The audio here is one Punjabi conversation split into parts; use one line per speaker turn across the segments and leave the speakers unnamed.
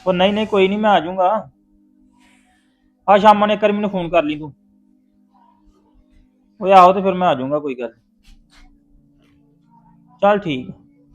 ਉਹ ਨਹੀਂ ਨਹੀਂ ਕੋਈ ਨਹੀਂ ਮੈਂ ਆ ਜਾਊਂਗਾ। ਆ ਸ਼ਾਮਾਂ ਨੇ ਇੱਕ ਵਾਰੀ ਮੈਨੂੰ ਫੋਨ ਕਰ ਲਈ ਤੂੰ। ਓਏ ਆਹੋ ਤੇ ਫਿਰ ਮੈਂ ਆ ਜਾਊਂਗਾ ਕੋਈ ਗੱਲ ਨੀ। ਚੱਲ ਠੀਕ।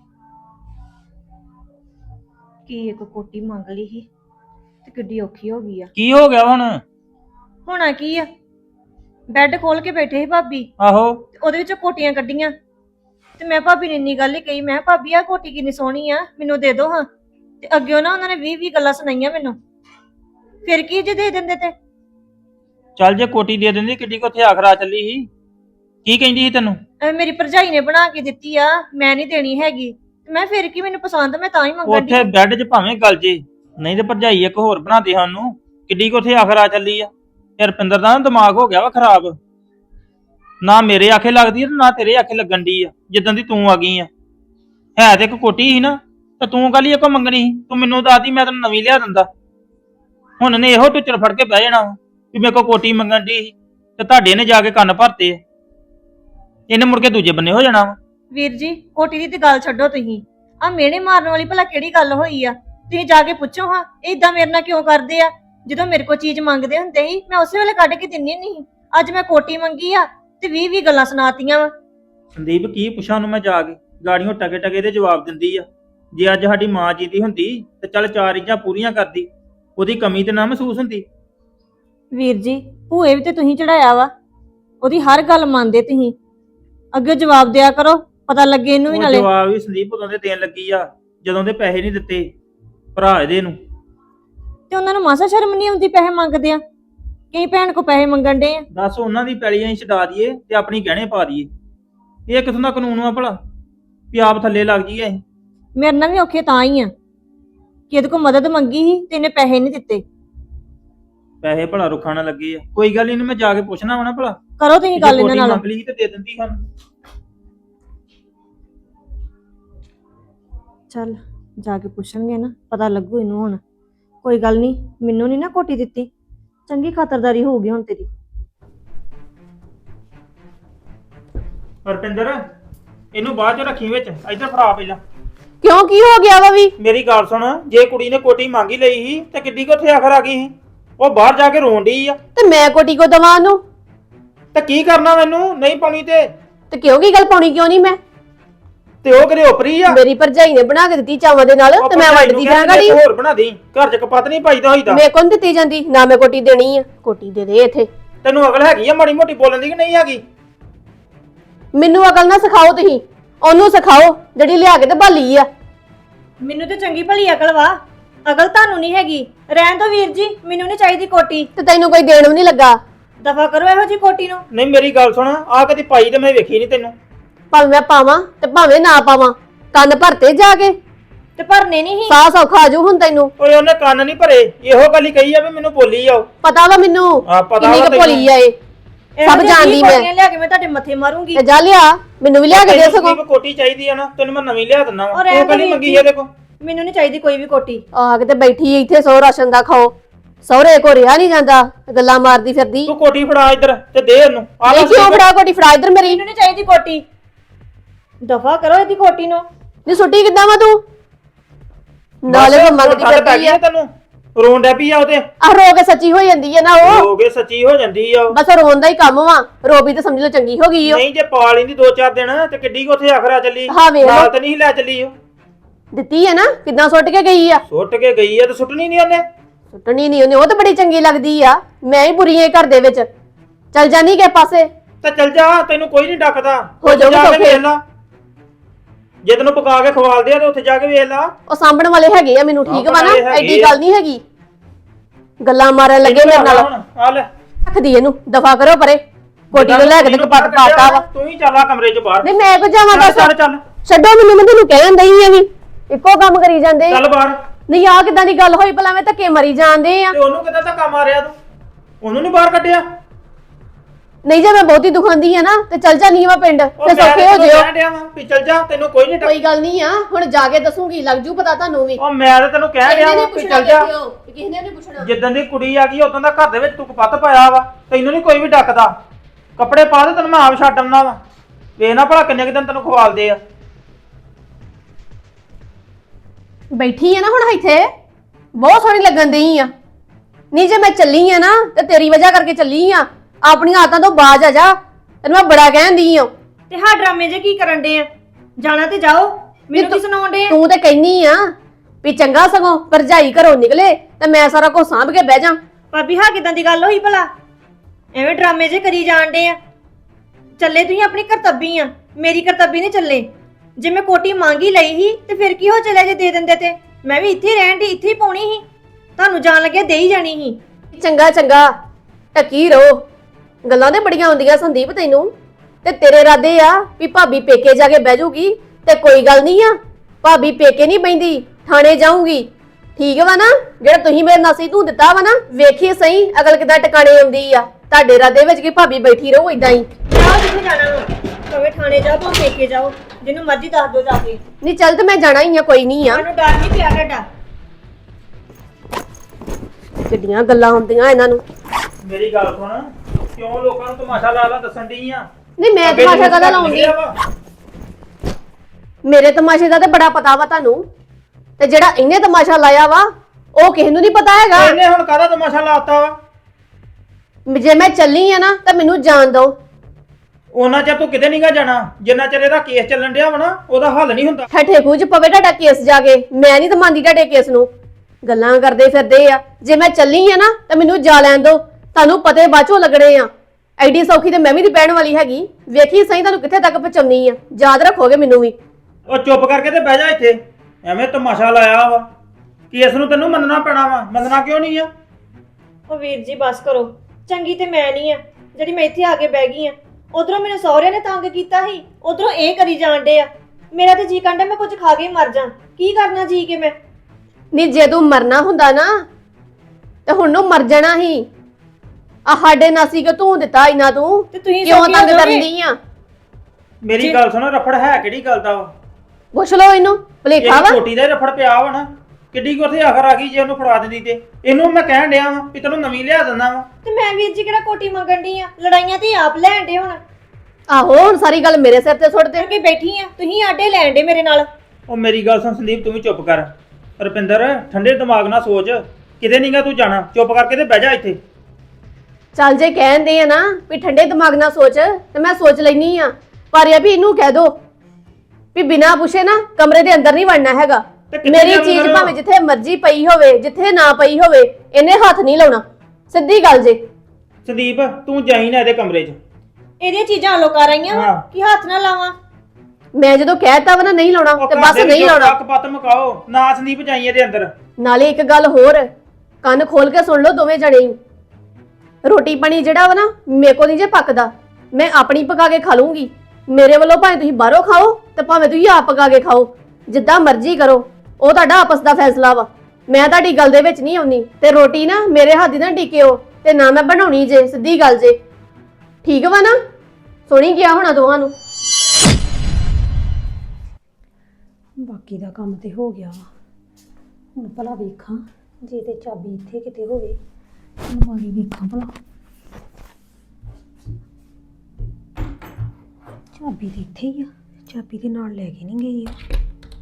ਕੀ ਇੱਕ ਕੋਟੀ ਮੰਗ ਲਈ ਸੀ ਤੇ ਕਿੱਡੀ ਔਖੀ ਹੋ ਗਈ ਆ।
ਕੀ ਹੋ ਗਿਆ ਹੁਣ?
ਹੋਣਾ ਕੀ ਆ, ਬੈੱਡ ਖੋਲ ਕੇ ਬੈਠੇ ਸੀ ਭਾਬੀ,
ਆਹੋ
ਤੇ ਉਹਦੇ ਵਿੱਚੋਂ ਕੋਟੀਆਂ ਕੱਢੀਆਂ ਤੇ ਮੈਂ ਭਾਬੀ ਨੇ ਇੰਨੀ ਗੱਲ ਹੀ ਕਹੀ, ਮੈਂ ਭਾਬੀ ਆ ਕੋਟੀ ਕਿੰਨੀ ਸੋਹਣੀ ਆ, ਮੈਨੂੰ ਦੇ ਦੋ ਹਾਂ। ਤੇ ਅੱਗੇ ਨਾ ਉਹਨਾਂ ਨੇ 20 ਗੱਲਾਂ ਸੁਣਾਈਆਂ ਮੈਨੂੰ। ਫਿਰ ਕੀ ਜੇ ਦੇ ਦਿੰਦੇ ਤੇ?
ਚੱਲ ਜੇ ਕੋਟੀ ਦੇ ਦਿੰਦੀ ਕਿੱਡੀ ਕੁ ਉੱਥੇ ਆਖਰਾ ਚੱਲੀ ਸੀ। ਕੀ ਕਹਿੰਦੀ ਸੀ ਤੈਨੂੰ?
ਮੇਰੀ ਭਰਜਾਈ ਨੇ ਬਣਾ ਕੇ ਦਿੱਤੀ ਆ, ਮੈਂ ਨਹੀਂ ਦੇਣੀ ਹੈਗੀ। ਮੈਂ ਫਿਰ ਕੀ, ਮੈਨੂੰ ਪਸੰਦ, ਮੈਂ ਤਾਂ ਹੀ ਮੰਗਣ
ਉੱਥੇ
ਦੀ।
ਬੈੱਡ 'ਚ ਭਾਵੇਂ ਗਲ ਜੇ, ਨਹੀਂ ਤੇ ਭਰਜਾਈ ਇੱਕ ਹੋਰ ਬਣਾ ਦੇ ਸਾਨੂੰ। ਕਿੱਡੀ ਕੁ ਉੱਥੇ ਆਖਰਾ ਚੱਲੀ ਆ। ਤੇ ਰੁਪਿੰਦਰ ਦਾ ਨਾ ਦਿਮਾਗ ਹੋ ਗਿਆ ਵਾ ਖਰਾਬ। ਨਾ ਮੇਰੇ ਆਖੇ ਲੱਗਦੀ ਆ ਤੇ ਨਾ ਤੇਰੇ ਆਖੇ ਲੱਗਣ ਦੀ ਆ ਜਿੱਦਾਂ ਦੀ ਤੂੰ ਆ ਗਈ ਆ। ਹੈ ਤੇ ਇੱਕ ਕੋਟੀ ਸੀ ਨਾ, ਤੇ ਤੂੰ ਕਾਹਲੀ ਇੱਕੋ ਮੰਗਣੀ ਸੀ? ਤੂੰ ਮੈਨੂੰ ਦੱਸਦੀ ਮੈਂ ਤੈਨੂੰ ਨਵੀਂ ਲਿਆ ਦਿੰਦਾ। ਹੁਣ ਨੇ ਇਹੋ ਟੁੱਚਰ ਫੜ ਕੇ ਬਹਿ ਜਾਣਾ ਵੀ ਮੇਰੇ ਕੋਲ ਕੋਟੀ ਮੰਗਣ ਦੀ ਸੀ, ਤੇ ਤੁਹਾਡੇ ਨੇ ਜਾ ਕੇ ਕੰਨ ਭਰਤੇ ਆ। ਇਹਨੇ ਮੁੜ ਕੇ ਦੂਜੇ ਬੰਨੇ ਹੋ ਜਾਣਾ ਵਾ।
ਵੀਰ ਜੀ ਕੋਟੀ ਦੀ ਤੇ ਗੱਲ ਛੱਡੋ, ਤੁਸੀਂ ਆ ਮਿਹਣੇ ਮਾਰਨ ਵਾਲੀ ਭਲਾ ਕਿਹੜੀ ਗੱਲ ਹੋਈ ਆ? ਤੁਸੀਂ ਜਾ ਕੇ ਪੁੱਛੋ ਹਾਂ ਇਦਾਂ ਮੇਰੇ ਨਾਲ ਕਿਉਂ ਕਰਦੇ ਆ। ਜਦੋਂ ਮੇਰੇ ਕੋਲ ਚੀਜ਼ ਮੰਗਦੇ ਹੁੰਦੇ ਸੀ ਮੈਂ ਉਸੇ ਵੇਲੇ ਕੱਢ ਕੇ ਦਿੰਦੀ ਨਹੀਂ। ਅੱਜ ਮੈਂ ਕੋਟੀ ਮੰਗੀ ਆ ਤੇ 20 ਗੱਲਾਂ ਸੁਣਾਤੀਆਂ ਵਾ।
ਸੰਦੀਪ ਕੀ ਪੁੱਛਾਂ ਉਹਨੂੰ ਮੈਂ ਜਾ ਕੇ? ਗਾੜੀਆਂ ਟਕੇ ਟਕੇ ਦੇ ਜਵਾਬ ਦਿੰਦੀ ਆ। ਜੇ ਅੱਜ ਸਾਡੀ ਮਾਂ ਜੀਦੀ ਹੁੰਦੀ ਤੇ ਚੱਲ ਚਾਰ ਇੰਚਾਂ ਪੂਰੀਆਂ ਕਰਦੀ, ਉਹਦੀ ਕਮੀ ਤੇ ਨਾ ਮਹਿਸੂਸ ਹੁੰਦੀ।
ਵੀਰ ਜੀ ਭੂਏ ਵੀ ਤੇ ਤੁਸੀਂ ਚੜਾਇਆ ਵਾ, ਉਹਦੀ ਹਰ ਗੱਲ ਮੰਨਦੇ ਤੁਸੀਂ। ਅੱਗੇ ਜਵਾਬ ਦਿਆ ਕਰੋ, ਪਤਾ ਲੱਗੇ ਇਹਨੂੰ ਵੀ
ਉਹ
ਨਾਲੇ।
ਜਵਾਬ ਵੀ ਸੰਦੀਪ ਉਦੋਂ ਦੇ ਦੇਣ ਲੱਗੀ ਆ ਜਦੋਂ ਦੇ ਪੈਸੇ ਨਹੀਂ ਦਿੱਤੇ ਭਰਾ ਇਹਦੇ ਨੂੰ।
ਤੇ ਉਹਨਾਂ ਨੂੰ ਮਾਸਾ ਸ਼ਰਮ ਨਹੀਂ ਆਉਂਦੀ ਪੈਸੇ ਮੰਗਦੇ ਆ? ਕਈ ਭੈਣ ਕੋ ਪੈਸੇ ਮੰਗਣ ਦੇ ਆ।
ਦੱਸ ਉਹਨਾਂ ਦੀ ਪੈਲੀਆਂ ਹੀ ਛਡਾ ਦਈਏ ਤੇ ਆਪਣੀ ਗਹਿਣੇ ਪਾ ਦਈਏ? ਇਹ ਕਿਥੋਂ ਦਾ ਕਾਨੂੰਨ ਆ ਭਲਾ ਵੀ ਆਪ ਥੱਲੇ ਲੱਗ ਜਾਈਏ ਅਸੀਂ?
ਮੇਰੇ ਨਾਲ ਵੀ ਔਖੇ ਤਾਂ ਹੀ ਆ ਕਿ ਇਹਦੇ ਕੋ ਮਦਦ ਮੰਗੀ ਸੀ ਤੇ ਇਹਨੇ ਪੈਸੇ ਨਹੀਂ ਦਿੱਤੇ।
ਪੈਸੇ ਭਲਾ ਰੁੱਖਾਂ ਨਾਲ ਲੱਗੇ ਆ। ਕੋਈ ਗੱਲ ਨਹੀਂ, ਮੈਂ ਜਾ ਕੇ ਪੁੱਛਣਾ ਵਾ ਨਾ ਭਲਾ।
ਕਰੋ ਤੁਸੀਂ ਗੱਲ ਇਹਨਾਂ ਨਾਲ।
ਮੰਗ ਲਈ ਤੇ ਦੇ ਦਿੰਦੀ ਸਾਨੂੰ।
ਚੱਲ ਜਾ ਕੇ ਪੁੱਛਣਗੇ ਨਾ, ਪਤਾ ਲੱਗੂ ਇਹਨੂੰ ਹੁਣ। ਕੋਈ ਗੱਲ ਨਹੀਂ, ਮੈਨੂੰ ਨਹੀਂ ਨਾ ਕੋਟੀ ਦਿੱਤੀ, ਚੰਗੀ ਖਾਤਰਦਾਰੀ ਹੋਊਗੀ ਹੁਣ ਤੇਰੀ।
ਰੁਪਿੰਦਰ ਇਹਨੂੰ ਬਾਅਦ ਚ ਰੱਖੀ ਵਿੱਚ, ਇੱਧਰ ਫੜਾ ਪਹਿਲਾਂ।
ਕਿਉਂ, ਕੀ ਹੋ ਗਿਆ ਵਾ ਵੀ?
ਮੇਰੀ ਗੱਲ ਸੁਣ, ਜੇ ਕੁੜੀ ਨੇ ਕੋਟੀ ਮੰਗੀ ਲਈ ਸੀ ਤੇ ਕਿੱਡੀ ਕੁ ਉੱਥੇ ਆਖਰ ਆ ਗਈ ਸੀ? ਉਹ ਬਾਹਰ ਜਾ ਕੇ ਰੋਣ ਡਈ ਆ।
ਤੇ ਮੈਂ ਕੋਟੀ ਕੋ ਦਵਾਂ ਨੂੰ?
ਤੇ ਕੀ ਕਰਨਾ ਮੈਨੂੰ ਨਹੀਂ ਪਾਉਣੀ
ਤੇ ਕਿਉਂ ਕੀ ਗੱਲ ਪਾਉਣੀ ਕਿਉਂ ਨਹੀਂ ਮੈਂ?
ਤੇ ਉਹ ਕਿਤੇ ਉਪਰੀ ਆ।
ਮੇਰੀ ਭਰਜਾਈ ਨੇ ਬਣਾ ਕੇ ਦਿੱਤੀ ਚਾਵਾਂ ਦੇ ਨਾਲ ਤੇ ਮੈਂ ਵੰਡਦੀ ਜਾਂ ਗੜੀ।
ਹੋਰ ਬਣਾ ਦੇ, ਘਰ ਚ ਕਪੱਤ ਨਹੀਂ ਪਾਈਦਾ ਹੋਈਦਾ।
ਮੇਰੇ ਕੋਲ ਦਿੱਤੀ ਜਾਂਦੀ ਨਾ, ਮੈਂ ਕੋਟੀ ਦੇਣੀ ਆ। ਕੋਟੀ ਦੇ ਦੇ ਇੱਥੇ।
ਤੈਨੂੰ ਅਕਲ ਹੈਗੀ ਆ ਮਾੜੀ ਮੋਟੀ ਬੋਲਣ ਦੀ ਕਿ ਨਹੀਂ ਹੈਗੀ?
ਮੈਨੂੰ ਅਕਲ ਨਾ ਸਿਖਾਓ ਤੁਸੀਂ, ਉਹਨੂੰ ਸਿਖਾਓ ਜਿਹੜੀ ਲਿਆ ਕੇ ਤੇ ਭਾਲੀ ਆ।
ਮੈਨੂੰ ਤੇ ਚੰਗੀ ਭਲੀ ਅਕਲ ਵਾ, ਅਕਲ ਤੁਹਾਨੂੰ ਨਹੀਂ ਹੈਗੀ। ਰਹਿਣ ਦੋ ਵੀਰ ਜੀ, ਮੈਨੂੰ ਨਹੀਂ ਚਾਹੀਦੀ ਕੋਟੀ।
ਤੇ ਤੈਨੂੰ ਕੋਈ ਦੇਣ ਵੀ ਨਹੀਂ ਲੱਗਾ।
ਦਫਾ ਕਰੋ ਇਹੋ ਜੀ ਕੋਟੀ ਨੂੰ।
ਨਹੀਂ ਮੇਰੀ ਗੱਲ ਸੁਣ, ਆ ਕਦੀ ਪਾਈ ਤੇ ਮੈਂ ਵੇਖੀ ਨਹੀਂ ਤੈਨੂੰ।
ਭਾਵੇਂ ਮੈਂ ਪਾਵਾਂ ਤੇ ਭਾਵੇਂ ਨਾ ਪਾਵਾਂ, ਕੰਨ ਭਰਤੇ ਜਾ ਕੇ।
ਤੇ ਭਰਨੇ ਨਹੀਂ ਸੀ।
ਸਾਹ ਸੌਖਾ ਆਜੂ ਹੁਣ ਤੈਨੂੰ।
ਓਏ ਉਹਨੇ ਕੰਨ ਨਹੀਂ ਭਰੇ, ਇਹੋ ਗੱਲ ਹੀ ਕਹੀ ਆ ਵੀ ਮੈਨੂੰ ਬੋਲੀ ਆ।
ਪਤਾ ਵਾ ਮੈਨੂੰ ਕਿੰਨੀ ਕੁ ਭੋਲੀ ਆ ਇਹ, ਸਭ ਜਾਣਦੀ ਮੈਂ।
ਲਿਆ ਕੇ ਮੈਂ ਤੁਹਾਡੇ ਮੱਥੇ ਮਾਰੂੰਗੀ।
ਤੇ ਜਾ ਲਿਆ, ਮੈਨੂੰ ਵੀ ਲਿਆ ਕੇ ਦੇ ਸਕੋ।
ਕੋਟੀ ਚਾਹੀਦੀ ਆ ਨਾ, ਤੈਨੂੰ ਮੈਂ ਨਵੀਂ ਲਿਆ ਦਿੰਦਾ ਵਾ।
ਉਹ
ਤੂੰ ਕੱਲੀ ਮੰਗੀ ਇਹਦੇ ਕੋ?
ਮੈਨੂੰ ਨਹੀਂ ਚਾਹੀਦੀ ਕੋਈ ਵੀ ਕੋਟੀ।
ਆ ਕੇ ਤੇ ਬੈਠੀ ਇੱਥੇ ਸਹੁੰ ਰਾਸ਼ਨ ਦਾ ਖਾਓ, ਸਹੁਰੇ ਕੋ ਰਿਹਾ ਨਹੀਂ ਜਾਂਦਾ, ਗੱਲਾਂ ਮਾਰਦੀ ਫਿਰਦੀ।
ਤੂੰ ਕੋਟੀ ਫੜਾ ਇੱਧਰ ਤੇ ਦੇ ਇਹਨੂੰ।
ਨਹੀਂ ਕਿਉਂ ਫੜਾ ਕੋਟੀ? ਫੜਾ ਇੱਧਰ ਮੇਰੀ।
ਮੈਨੂੰ ਨਹੀਂ ਚਾਹੀਦੀ ਕੋਟੀ, ਦਫਾ ਕਰੋ ਇਹਦੀ ਕੋਟੀ ਨੂੰ।
ਨਹੀਂ ਸੁੱਟੀ ਕਿੱਦਾਂ ਵਾ ਤੂੰ? ਨਾਲੇ ਕੋ ਮੰਗਦੀ ਫਿਰਦੀ ਆ।
ਤੈਨੂੰ ਰੋਣ ਡੈ ਪਈ ਆ ਉਹਤੇ।
ਆ ਰੋ ਕੇ ਸੱਚੀ ਹੋ ਜਾਂਦੀ ਆ ਨਾ ਉਹ।
ਹੋ ਕੇ ਸੱਚੀ ਹੋ ਜਾਂਦੀ ਆ।
ਬਸ ਰੋਣ ਦਾ ਹੀ ਕੰਮ ਵਾ, ਰੋਬੀ ਤਾਂ ਸਮਝ ਲਓ ਚੰਗੀ ਹੋ ਗਈ ਉਹ।
ਨਹੀਂ ਜੇ ਪਾ ਲੈਂਦੀ 2-4 ਦਿਨ ਤੇ ਕਿੱਡੀ ਕੋ ਉੱਥੇ ਆਖਰਾ ਚੱਲੀ।
ਹਾਂ ਵੇਖ
ਨਾਲ
ਲਓ,
ਤੇ ਨਹੀਂ ਲੈ ਚੱਲੀ ਉਹ।
ਦਿੱਤੀ ਹੈ ਨਾ, ਕਿੱਦਾਂ ਸੁੱਟ ਕੇ ਗਈ ਆ।
ਸੁੱਟ ਕੇ ਗਈ ਆ ਤੇ ਸੁੱਟਣੀ ਨਹੀਂ ਉਹਨੇ।
ਸੁੱਟਣੀ ਨਹੀਂ ਉਹਨੇ, ਉਹ ਤਾਂ ਬੜੀ ਚੰਗੀ ਲੱਗਦੀ ਆ। ਮੈਂ ਹੀ ਬੁਰੀ ਐ ਘਰ ਦੇ ਵਿੱਚ, ਚੱਲ ਜਾਨੀ ਕਿਸੇ ਪਾਸੇ।
ਤੇ ਚੱਲ ਜਾ, ਤੈਨੂੰ ਕੋਈ ਨਹੀਂ ਡੱਕਦਾ।
ਹੋ ਜਾਊਗਾ
ਜਾ ਕੇ
ਸੌਖੇ।
ਵੇਖ ਲਾ, ਜੇ ਤੈਨੂੰ ਪਕਾ ਕੇ ਖਵਾਲਦੇ ਆ ਤੇ ਉੱਥੇ ਜਾ ਕੇ ਵੇਖ ਲਾ।
ਉਹ ਸਾਂਭਣ ਵਾਲੇ ਹੈਗੇ ਆ ਮੈਨੂੰ, ਠੀਕ ਵਾ ਨਾ? ਐਡੀ ਗੱਲ ਨਹੀਂ ਹੈਗੀ, ਗੱਲਾਂ ਮਾਰਨ ਲੱਗੇ ਮੇਰੇ ਨਾਲ।
ਆ ਲੈ
ਰੱਖਦੀ ਇਹਨੂੰ, ਦਫਾ ਕਰੋ ਪਰੇ। ਕੋਟੀ ਨੂੰ ਲੈ ਕੇ ਤੇ ਕਪੱਤ ਪਾਤਾ ਵਾ।
ਤੂੰ ਹੀ ਚੱਲ ਆ ਕਮਰੇ 'ਚ ਬਾਹਰ।
ਨਹੀਂ ਮੈਂ ਕੋ ਜਾਵਾਂ ਦੱਸ?
ਚੱਲ ਚੱਲ
ਛੱਡੋ ਮੈਨੂੰ, ਮੈਂ ਤੈਨੂੰ ਕਹਿਣ ਦਈ ਆ ਵੀ ਇੱਕੋ ਕੰਮ ਕਰੀ ਜਾਂਦੇ।
ਚੱਲ ਬਾਹਰ।
ਨਹੀਂ ਆ ਕਿਦਾਂ ਦੀ ਗੱਲ ਹੋਈ ਭਲਾ? ਮੈਂ ਧੱਕੇ ਮਰੀ ਜਾਂਦੇ ਆ।
ਤੇ ਉਹਨੂੰ ਕਿੱਦਾਂ ਧੱਕਾ ਮਾਰਿਆ ਤੂੰ? ਉਹਨੂੰ ਨਹੀਂ ਬਾਹਰ ਕੱਢਿਆ?
ਨਹੀਂ ਜੇ ਮੈਂ ਬਹੁਤੀ ਦੁਖਾਂਦੀ ਆ ਨਾ ਤੇ ਚੱਲ ਜਾਨੀ ਵਾ ਪਿੰਡ, ਤੇ ਸੌਖੇ ਹੋ ਜਿਓ।
ਚੱਲ ਜਾ, ਤੈਨੂੰ ਕੋਈ ਨਹੀਂ
ਕੋਈ ਗੱਲ ਨਹੀਂ ਆ, ਹੁਣ ਜਾ ਕੇ ਦੱਸੂਗੀ, ਲੱਗ ਜੂ ਪਤਾ ਤੁਹਾਨੂੰ ਵੀ।
ਉਹ ਮੈਂ ਤਾਂ ਤੈਨੂੰ ਕਹਿ ਰਿਹਾ ਵਾ ਕਿ ਚੱਲ ਜਾ।
ਕਿਸੇ ਨੇ ਨਹੀਂ ਪੁੱਛਣਾ।
ਜਿੱਦਾਂ ਦੀ ਕੁੜੀ ਆ ਗਈ ਉਦੋਂ ਦਾ ਘਰ ਦੇ ਵਿੱਚ ਤੂੰ ਕਪੱਤ ਪਾਇਆ ਵਾ। ਤੈਨੂੰ ਨਹੀਂ ਕੋਈ ਵੀ ਡੱਕਦਾ। ਕੱਪੜੇ ਪਾ ਦੇ, ਤੈਨੂੰ ਮੈਂ ਆਪ ਛੱਡ ਆਉਣਾ ਵਾ। ਵੇਖ ਨਾ ਭਲਾ ਕਿੰਨੇ ਕੁ ਦਿਨ ਤੈਨੂੰ ਖਵਾਲਦੇ ਆ।
ਬੈਠੀ ਆ ਨਾ ਹੁਣ ਇੱਥੇ, ਬਹੁਤ ਸੋਹਣੀ ਲੱਗਣ ਦਈ ਆ। ਨਹੀਂ ਜੇ ਮੈਂ ਚੱਲੀ ਆ ਨਾ ਤੇ ਤੇਰੀ ਵਜ੍ਹਾ ਕਰਕੇ ਚੱਲੀ ਆ। ਆਪਣੀਆਂ ਆਦਤਾਂ ਤੋਂ ਬਾਜ ਆ ਜਾ, ਤੈਨੂੰ ਮੈਂ ਬੜਾ ਕਹਿੰਦੀ ਆ।
ਤੇ ਹਾਂ ਡਰਾਮੇ ਜੇ ਕੀ ਕਰਨ ਦੇ ਆ? ਜਾਣਾ ਤੇ ਜਾਓ, ਮੈਨੂੰ ਕੀ ਸੁਣਾਉਣ ਦੇ ਆ?
ਤੂੰ ਤੇ ਕਹਿਨੀ ਆ ਵੀ ਚੰਗਾ ਸਗੋਂ ਭਰਜਾਈ ਘਰੋਂ ਨਿਕਲੇ ਤੇ ਮੈਂ ਸਾਰਾ ਕੁਝ ਸਾਂਭ ਕੇ ਬਹਿ ਜਾ।
ਭਾਬੀ ਹਾਂ ਕਿਦਾਂ ਦੀ ਗੱਲ ਹੋਈ ਭਲਾ? ਐਵੇਂ ਡਰਾਮੇ ਜੇ ਕਰੀ ਜਾਣਦੇ ਆ। ਚੱਲੇ ਤੁਸੀਂ ਆਪਣੀ ਕਰਤੱਬੀ ਆ, ਮੇਰੀ ਕਰਤੱਬੀ ਨਹੀਂ ਚੱਲੇ। ਜੇ ਮੈਂ ਕੋਟੀ ਮੰਗੀ ਲਈ ਸੀ ਤੇ ਫਿਰ ਕੀ ਹੋ ਚੱਲਿਆ ਜੇ ਦੇ ਦਿੰਦੇ ਤੇ? ਮੈਂ ਵੀ ਇੱਥੇ ਰਹਿਣ ਦੀ, ਇੱਥੇ ਹੀ ਪਾਉਣੀ ਸੀ। ਤੁਹਾਨੂੰ ਜਾਣ ਲੱਗਿਆ ਦੇ ਹੀ ਜਾਣੀ ਸੀ।
ਚੰਗਾ ਚੰਗਾ ਟਕੀ ਰਹੋ। ਗੱਲਾਂ ਤੇ ਬੜੀਆਂ ਹੁੰਦੀਆਂ ਸੰਦੀਪ ਤੈਨੂੰ, ਤੇ ਤੇਰੇ ਇਰਾਦੇ ਆ ਵੀ ਭਾਬੀ ਪੇਕੇ ਜਾ ਕੇ ਬਹਿ ਜਾਊਗੀ ਤੇ ਕੋਈ ਗੱਲ ਨਹੀਂ ਆ। ਭਾਬੀ ਪੇਕੇ ਨਹੀਂ ਬੈਂਦੀ, ਥਾਣੇ ਜਾਊਗੀ। ਠੀਕ ਵਾ ਨਾ? ਜਿਹੜਾ ਤੁਸੀਂ ਮੇਰੇ ਨਾਸੀ ਤੂੰ ਦਿੱਤਾ ਵਾ ਨਾ, ਵੇਖੀ ਸਹੀ ਅਗਲ ਕਿਦਾਂ ਟਿਕਾਣੇ ਆਉਂਦੀ ਆ। ਤੁਹਾਡੇ ਇਰਾਦੇ ਵਿੱਚ ਕਿ ਭਾਬੀ ਬੈਠੀ ਰਹੋ ਇਦਾਂ ਹੀ।
ਜਾਓ ਜਿੱਥੇ ਜਾਣਾ ਵਾ, ਭਾਵੇਂ ਥਾਣੇ ਜਾਓ ਭਾਵੇਂ ਪੇਕੇ ਜਾਓ, ਜਿਹਨੂੰ ਮਰਜ਼ੀ ਦੱਸ ਦਿਓ ਜਾ ਕੇ।
ਨਹੀਂ ਚੱਲ ਤੇ ਮੈਂ ਜਾਣਾ ਹੀ ਆ, ਕੋਈ ਨਹੀਂ ਆ।
ਮੈਨੂੰ ਡਰ ਨਹੀਂ ਪਿਆ ਤੁਹਾਡਾ।
ਕਿੱਡੀਆਂ ਗੱਲਾਂ ਹੁੰਦੀਆਂ ਇਹਨਾਂ ਨੂੰ।
ਮੇਰੀ ਗੱਲ ਸੁਣ, ਕਿਉਂ ਲੋਕਾਂ ਨੂੰ ਤਮਾਸ਼ਾ ਲਾ ਲਾ ਦੱਸਣ ਡਈ ਆ?
ਨਹੀਂ ਮੈਂ ਤਮਾਸ਼ਾ ਕਾਹਦਾ ਲਾਉਂਦੀ? ਮੇਰੇ ਤਮਾਸ਼ੇ ਦਾ ਤੇ ਬੜਾ ਪਤਾ ਵਾ ਤੁਹਾਨੂੰ, ਤੇ ਜਿਹੜਾ ਇਹਨੇ ਤਮਾਸ਼ਾ ਲਾਇਆ ਵਾ ਉਹ ਕਿਸੇ ਨੂੰ ਨਹੀਂ ਪਤਾ ਹੈਗਾ।
ਇਹਨੇ ਹੁਣ ਕਾਹਦਾ ਤਮਾਸ਼ਾ ਲਾਤਾ ਵਾ?
ਜੇ ਮੈਂ ਚੱਲੀ ਆ ਨਾ ਤਾਂ ਮੈਨੂੰ ਜਾਣ ਦਿਓ।
ਉਹਨਾਂ ਚਿਰ ਤੂੰ ਕਿਤੇ ਨਹੀਂਗਾ ਜਾਣਾ, ਜਿੰਨਾ ਚਿਰ ਇਹਦਾ ਕੇਸ ਚੱਲਣ ਡਿਆ ਵਾ ਨਾ, ਉਹਦਾ ਹੱਲ ਨਹੀਂ ਹੁੰਦਾ।
ਠੱਠੇ ਖੂਜ ਪਵੇ ਤੁਹਾਡਾ ਕੇਸ ਜਾ ਕੇ। ਮੈਂ ਨਹੀਂ ਦਮਾਂਦੀ ਤੁਹਾਡੇ ਕੇਸ ਨੂੰ। ਗੱਲਾਂ ਕਰਦੇ ਫਿਰਦੇ ਆ। ਜੇ ਮੈਂ ਚੱਲੀ ਆ ਨਾ ਤਾਂ ਮੈਨੂੰ ਜਾ ਲੈਣ ਦਿਓ। ਤੁਹਾਨੂੰ ਪਤੇ ਬਾਚੋ ਲੱਗਣੇ ਆ। ਐਡੀ ਸੌਖੀ ਤੇ ਮੈਂ ਵੀ ਨਹੀਂ ਪੈਣ ਵਾਲੀ ਹੈਗੀ। ਵੇਖੀ ਸਹੀ ਤੁਹਾਨੂੰ ਕਿੱਥੇ ਤੱਕ ਪਹੁੰਚਾਉਣੀ ਆ। ਯਾਦ ਰੱਖੋਗੇ ਮੈਨੂੰ ਵੀ।
ਉਹ ਚੁੱਪ ਕਰਕੇ ਤੇ ਬਹਿ ਜਾ ਇੱਥੇ। ਐਵੇਂ ਤਮਾਸ਼ਾ ਲਾਇਆ ਵਾ। ਕੇਸ ਨੂੰ ਤੈਨੂੰ ਮੰਨਣਾ ਪੈਣਾ ਵਾ। ਮੰਨਣਾ ਕਿਉਂ ਨਹੀਂ ਆ?
ਉਹ ਵੀਰ ਜੀ ਬਸ ਕਰੋ। ਚੰਗੀ ਤੇ ਮੈਂ ਨਹੀਂ ਆ ਜਿਹੜੀ ਮੈਂ ਇੱਥੇ ਆ ਕੇ ਬਹਿ ਗਈ ਆ। ਉਧਰੋਂ ਮੈਨੂੰ ਸਹੁਰਿਆਂ ਨੇ ਤੰਗ ਕੀਤਾ ਸੀ, ਉਧਰੋਂ ਇਹ ਕਰੀ ਜਾਣਦੇ ਆ। ਮੇਰਾ ਤੇ ਜੀ ਕੰਡਾ ਮੈਂ ਕੁਝ ਖਾ ਕੇ ਮਰ ਜਾ। ਕੀ ਕਰਨਾ ਜੀ ਕੇ ਮੈਂ?
ਨਹੀਂ ਜੇ ਤੂੰ ਮਰਨਾ ਹੁੰਦਾ ਨਾ ਤੇ ਹੁਣ ਨੂੰ ਮਰ ਜਾਣਾ ਸੀ। ਆ ਸਾਡੇ ਨਾਸੀ ਕਿ ਤੂੰ ਦਿੱਤਾ ਇਹਨਾਂ ਤੂੰ
ਤੇ ਤੁਸੀਂ
ਕਿਉਂ
ਸੌਖੀ
ਤੰਗ
ਹੋ
ਕਰਨੀ ਆ?
ਮੇਰੀ ਗੱਲ ਸੁਣੋ, ਰਫੜ ਹੈ ਕਿਹੜੀ ਗੱਲ ਦਾ ਵਾ?
ਪੁੱਛ ਲਓ ਇਹਨੂੰ, ਭਲੇਖਾ ਵਾ।
ਛੋਟੀ ਦਾ ਹੀ ਰਫੜ ਪਿਆ ਵਾ ਨਾ। ਕਿੱਡੀ ਕੁ ਉੱਥੇ ਆਖਰ ਆ ਗਈ ਜੇ ਉਹਨੂੰ ਫੜਾ ਦਿੰਦੀ ਤੇ। ਇਹਨੂੰ ਮੈਂ ਕਹਿਣ ਡਿਆ ਵਾਂ ਵੀ ਤੈਨੂੰ ਨਵੀਂ ਲਿਆ ਦਿੰਦਾ ਵਾ।
ਤੇ ਮੈਂ ਵੀਰ ਜੀ ਕਿਹੜਾ ਕੋਟੀ ਮੰਗਣ ਦੀ ਆ? ਲੜਾਈਆਂ ਤੇ ਆਪ ਲੈਣ ਦੇ ਹੁਣ।
ਆਹੋ ਹੁਣ ਸਾਰੀ ਗੱਲ ਮੇਰੇ ਸਿਰ ਤੇ ਸੁੱਟ ਦੇ।
ਕਰਕੇ ਬੈਠੀ ਆ, ਤੁਸੀਂ ਆਡੇ ਲੈਣ ਦੇ ਮੇਰੇ ਨਾਲ।
ਉਹ ਮੇਰੀ ਗੱਲ ਸੁਣ ਸੰਦੀਪ, ਤੂੰ ਵੀ ਚੁੱਪ ਕਰ। ਰੁਪਿੰਦਰ ਠੰਡੇ ਦਿਮਾਗ ਨਾਲ ਸੋਚ, ਕਿਤੇ ਨਹੀਂਗਾ ਤੂੰ ਜਾਣਾ। ਚੁੱਪ ਕਰਕੇ ਤੇ ਬਹਿ ਜਾ ਇੱਥੇ।
ਚੱਲ ਜੇ ਕਹਿੰਦੇ ਆ ਨਾ ਵੀ ਠੰਡੇ ਦਿਮਾਗ ਨਾਲ ਸੋਚ ਤੇ ਮੈਂ ਸੋਚ ਲੈਣੀ ਆ। ਪਰ ਇਹ ਵੀ ਇਹਨੂੰ ਕਹਿ ਦੋ ਵੀ ਬਿਨਾਂ ਪੁੱਛੇ ਨਾ ਕਮਰੇ ਦੇ ਅੰਦਰ ਨਹੀਂ ਵੜਨਾ ਹੈਗਾ।
ਤੇ ਕਿੱਥੇ
ਮੇਰੀ
ਜਾਣਾ
ਚੀਜ਼
ਫਿਰ?
ਭਾਵੇਂ ਜਿੱਥੇ ਮਰਜ਼ੀ ਪਈ ਹੋਵੇ, ਜਿੱਥੇ ਨਾ ਪਈ ਹੋਵੇ, ਇਹਨੇ ਹੱਥ ਨਹੀਂ ਲਾਉਣਾ। ਸਿੱਧੀ ਗੱਲ ਜੇ।
ਸੰਦੀਪ ਤੂੰ ਜਾਈ ਨਾ ਇਹਦੇ ਕਮਰੇ 'ਚ।
ਇਹਦੀਆਂ ਚੀਜ਼ਾਂ ਲੋਕਾਂ ਰਹੀਆਂ ਵਾ
ਹਾਂ।
ਕਿ ਹੱਥ ਨਾ ਲਾਵਾਂ।
ਮੈਂ ਜਦੋਂ ਕਹਿਤਾ ਵਾ ਨਾ ਨਹੀਂ ਲਾਉਣਾ
ਉਹ
ਤੇ
ਘਰ
ਬਸ
ਦੇ
ਨਹੀਂ
ਵਿੱਚੋਂ
ਲਾਉਣਾ।
ਅੱਕ ਪੱਤ ਮਕਾਓ ਨਾ। ਸੰਦੀਪ ਜਾਈ ਇਹਦੇ ਅੰਦਰ।
ਨਾਲੇ ਇੱਕ ਗੱਲ ਹੋਰ, ਕੰਨ ਖੋਲ ਕੇ ਸੁਣ ਲਓ ਦੋਵੇਂ ਜਣੇ ਹੀ। ਰੋਟੀ ਪਾਣੀ ਜਿਹੜਾ ਵਾ ਨਾ ਮੇਰੇ ਕੋ ਨਹੀਂ ਜੇ ਪੱਕਦਾ। ਮੈਂ ਆਪਣੀ ਪਕਾ ਕੇ ਖਾ ਲੂੰਗੀ। ਮੇਰੇ ਵੱਲੋਂ ਭਾਵੇਂ ਤੁਸੀਂ ਬਾਹਰੋਂ ਖਾਓ ਤੇ ਭਾਵੇਂ ਤੁਸੀਂ ਆਪ ਪਕਾ ਕੇ ਖਾਓ, ਜਿੱਦਾਂ ਮਰਜ਼ੀ ਕਰੋ। ਉਹ ਤੁਹਾਡਾ ਆਪਸ ਦਾ ਫੈਸਲਾ ਵਾ। ਮੈਂ ਤੁਹਾਡੀ ਗੱਲ ਦੇ ਵਿੱਚ ਨਹੀਂ ਆਉਣੀ। ਤੇ ਰੋਟੀ ਨਾ ਮੇਰੇ ਹੱਥ ਦੀ ਨਾ ਟਿਕਿਓ ਤੇ ਨਾ ਮੈਂ ਬਣਾਉਣੀ ਜੇ। ਸਿੱਧੀ ਗੱਲ ਜੇ। ਠੀਕ ਵਾ ਨਾ? ਸੁਣੀ ਗਿਆ ਹੋਣਾ ਦੋਵਾਂ ਨੂੰ।
ਬਾਕੀ ਦਾ ਕੰਮ ਤੇ ਹੋ ਗਿਆ ਵਾ। ਹੁਣ ਭਲਾ ਵੇਖਾਂ ਜੇ ਤੇ ਚਾਬੀ ਇੱਥੇ ਕਿਤੇ ਹੋਵੇ। ਅਲਮਾਰੀ ਵੇਖਾਂ ਭਲਾ। ਚਾਬੀ ਤੇ ਇੱਥੇ ਹੀ ਆ। ਚਾਬੀ ਦੇ ਨਾਲ ਲੈ ਕੇ ਨਹੀਂ ਗਈ ਆ।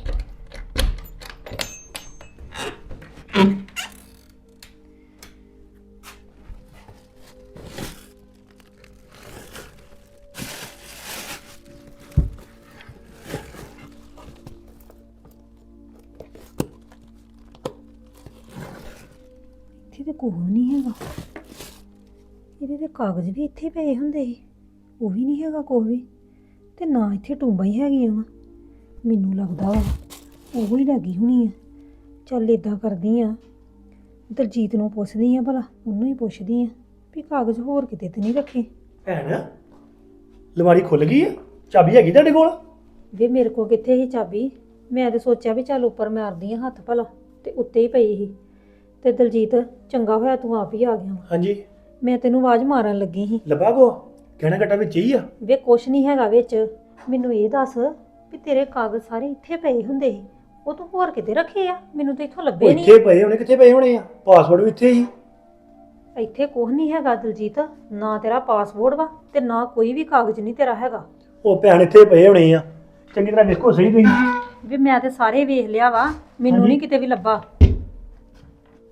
ਇੱਥੇ ਤੇ ਕੁਝ ਨਹੀਂ ਹੈਗਾ। ਇਹਦੇ ਤੇ ਕਾਗਜ਼ ਵੀ ਇੱਥੇ ਪਏ ਹੁੰਦੇ ਸੀ, ਉਹ ਵੀ ਨਹੀਂ ਹੈਗਾ ਕੁਝ ਵੀ। ਤੇ ਨਾ ਇੱਥੇ ਟੂੰਬਾਂ ਹੀ ਹੈਗੀਆਂ ਵਾ। ਮੈਨੂੰ ਲੱਗਦਾ ਵਾ ਉਹ ਹੀ ਲੱਗੀ ਹੋਣੀ ਆ। ਚੱਲ ਇਦਾਂ ਕਰਦੀ ਆ, ਦਲਜੀਤ ਨੂੰ ਪੁੱਛਦੀ ਆ ਭਲਾ। ਉਹਨੂੰ ਹੀ ਪੁੱਛਦੀ ਆ ਵੀ ਕਾਗਜ਼ ਹੋਰ ਕਿਤੇ ਤੇ ਨਹੀਂ ਰੱਖੇ।
ਭੈਣ ਲਵਾਰੀ ਖੁੱਲ ਗਈ ਆ? ਚਾਬੀ ਹੈਗੀ ਤੁਹਾਡੇ ਕੋਲ?
ਵੇ ਮੇਰੇ ਕੋ ਕਿੱਥੇ ਸੀ ਚਾਬੀ। ਮੈਂ ਤੇ ਸੋਚਿਆ ਵੀ ਚੱਲ ਉੱਪਰ ਮਾਰਦੀ ਆ ਹੱਥ ਭਲਾ, ਤੇ ਉੱਤੇ ਹੀ ਪਈ ਸੀ। ਤੇ ਦਲਜੀਤ ਚੰਗਾ ਹੋਇਆ ਤੂੰ ਆਪ ਹੀ ਆ ਗਿਆ ਵਾ।
ਹਾਂਜੀ
ਮੈਂ ਤੈਨੂੰ ਆਵਾਜ਼ ਮਾਰਨ ਲੱਗੀ ਸੀ।
ਲੱਭਾ ਕੋ ਕਹਿਣਾ ਘਟਾ ਵਿੱਚ ਹੀ ਆ?
ਵੇ ਕੁਛ ਨਹੀਂ ਹੈਗਾ ਵਿੱਚ। ਮੈਨੂੰ ਇਹ ਦੱਸ ਵੀ ਤੇਰੇ ਕਾਗਜ਼ ਸਾਰੇ ਇੱਥੇ ਪਏ ਹੁੰਦੇ ਸੀ, ਉਹ ਤੂੰ ਹੋਰ ਕਿਤੇ ਰੱਖੇ ਆ? ਮੈਨੂੰ ਤਾਂ ਇੱਥੋਂ
ਉਹ
ਲੱਭੇ ਨਹੀਂ।
ਇੱਥੇ ਪਏ ਹੋਣੇ। ਕਿੱਥੇ ਪਏ ਹੋਣੇ ਆ? ਪਾਸਵਰਡ ਵੀ ਇੱਥੇ ਹੀ।
ਇੱਥੇ ਕੁਛ ਨਹੀਂ ਹੈਗਾ ਦਲਜੀਤ। ਨਾ ਤੇਰਾ ਪਾਸਪੋਰਟ ਵਾ ਤੇ ਨਾ ਕੋਈ ਵੀ ਕਾਗਜ਼ ਨਹੀਂ ਤੇਰਾ ਹੈਗਾ।
ਉਹ ਭੈਣ ਇੱਥੇ ਪਏ ਹੋਣੇ ਆ। ਚੰਗੀ ਤਰ੍ਹਾਂ ਵੇਖੋ ਸਹੀ ਤੁਸੀਂ।
ਵੀ ਮੈਂ ਤੇ ਸਾਰੇ ਵੇਖ ਲਿਆ ਵਾ, ਮੈਨੂੰ
ਹਾਂਜੀ।
ਨਹੀਂ ਕਿਤੇ ਵੀ ਲੱਭਾ।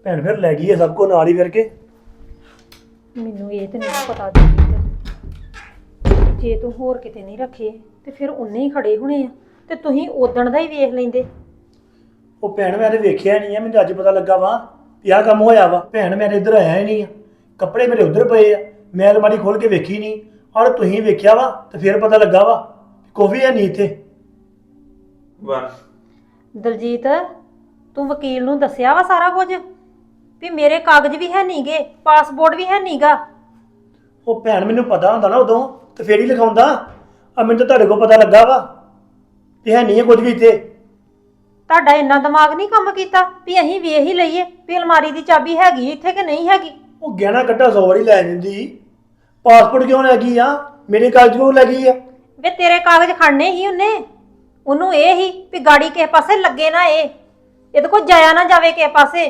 ਭੈਣ ਫਿਰ ਲੈ ਗਈ ਹੈ ਸਭ ਕੋ ਨਾਲ ਹੀ ਕਰਕੇ।
ਮੈਨੂੰ ਇਹ ਤੇ ਨਹੀਂ ਪਤਾ ਦਲਜੀਤ, ਜੇ ਤੂੰ ਹੋਰ ਕਿਤੇ ਨਹੀਂ ਰੱਖੇ ਤੇ ਫਿਰ ਉਹਨੇ ਹੀ ਖੜੇ ਹੋਣੇ ਆ ਤੇ ਤੁਸੀਂ ਉਦਣ ਦਾ ਹੀ ਵੇਖ ਲੈਂਦੇ।
ਉਹ ਭੈਣ ਮੈਂ ਤੇ ਵੇਖਿਆ ਨਹੀਂ ਆ, ਮੈਨੂੰ ਅੱਜ ਪਤਾ ਲੱਗਾ ਵਾ ਵੀ ਆਹ ਕੰਮ ਹੋਇਆ ਵਾ। ਭੈਣ ਮੇਰੇ ਇੱਧਰ ਆਇਆ ਹੀ ਨਹੀਂ ਆ, ਕੱਪੜੇ ਮੇਰੇ ਉੱਧਰ ਪਏ ਆ, ਮੈਂ ਅਲਮਾਰੀ ਖੋਲ ਕੇ ਵੇਖੀ ਨਹੀਂ। ਔਰ ਤੁਸੀਂ ਵੇਖਿਆ ਵਾ ਤੇ ਫਿਰ ਪਤਾ ਲੱਗਾ ਵਾ ਕੋਈ ਹੈ ਨਹੀਂ ਇੱਥੇ।
ਬਸ
ਦਲਜੀਤ, ਤੂੰ ਵਕੀਲ ਨੂੰ ਦੱਸਿਆ ਵਾ ਸਾਰਾ ਕੁਝ ਵੀ ਮੇਰੇ ਕਾਗਜ਼ ਵੀ ਹੈ ਨਹੀਂਗੇ, ਪਾਸਪੋਰਟ ਵੀ ਹੈ ਨਹੀਂਗਾ?
ਉਹ ਭੈਣ ਮੈਨੂੰ ਪਤਾ ਹੁੰਦਾ ਨਾ ਉਦੋਂ ਤੇ ਫੇਰ ਹੀ ਲਿਖਾਉਂਦਾ। ਆ ਮੈਨੂੰ ਤਾਂ ਤੁਹਾਡੇ ਕੋਲ ਪਤਾ ਲੱਗਾ ਵਾ ਵੀ ਹੈ ਨਹੀਂ ਹੈ ਕੁਝ ਵੀ ਇੱਥੇ।
ਤੁਹਾਡਾ ਇੰਨਾ ਦਿਮਾਗ ਨਹੀਂ ਕੰਮ ਕੀਤਾ ਵੀ ਅਸੀਂ ਵੇਖ ਹੀ ਲਈਏ ਵੀ ਅਲਮਾਰੀ ਦੀ ਚਾਬੀ ਹੈਗੀ ਇੱਥੇ ਕਿ ਨਹੀਂ ਹੈਗੀ?
ਉਹ ਗਹਿਣਾ ਕੱਟਾ 100 ਵਾਰੀ ਲੈ ਜਾਂਦੀ, ਪਾਸਪੋਰਟ ਕਿਉਂ ਲੈ ਗਈ ਆ? ਮੇਰੇ ਕਾਗਜ਼ ਕਿਉਂ ਲੈ ਗਈ ਆ?
ਵੇ ਤੇਰੇ ਕਾਗਜ਼ ਖੜਨੇ ਹੀ ਉਹਨੂੰ ਇਹ ਹੀ ਵੀ ਗਾੜੀ ਕਿਸੇ ਪਾਸੇ ਲੱਗੇ ਨਾ, ਇਹਦੇ ਕੋਲ ਜਾਇਆ ਨਾ ਜਾਵੇ ਕਿਸੇ ਪਾਸੇ।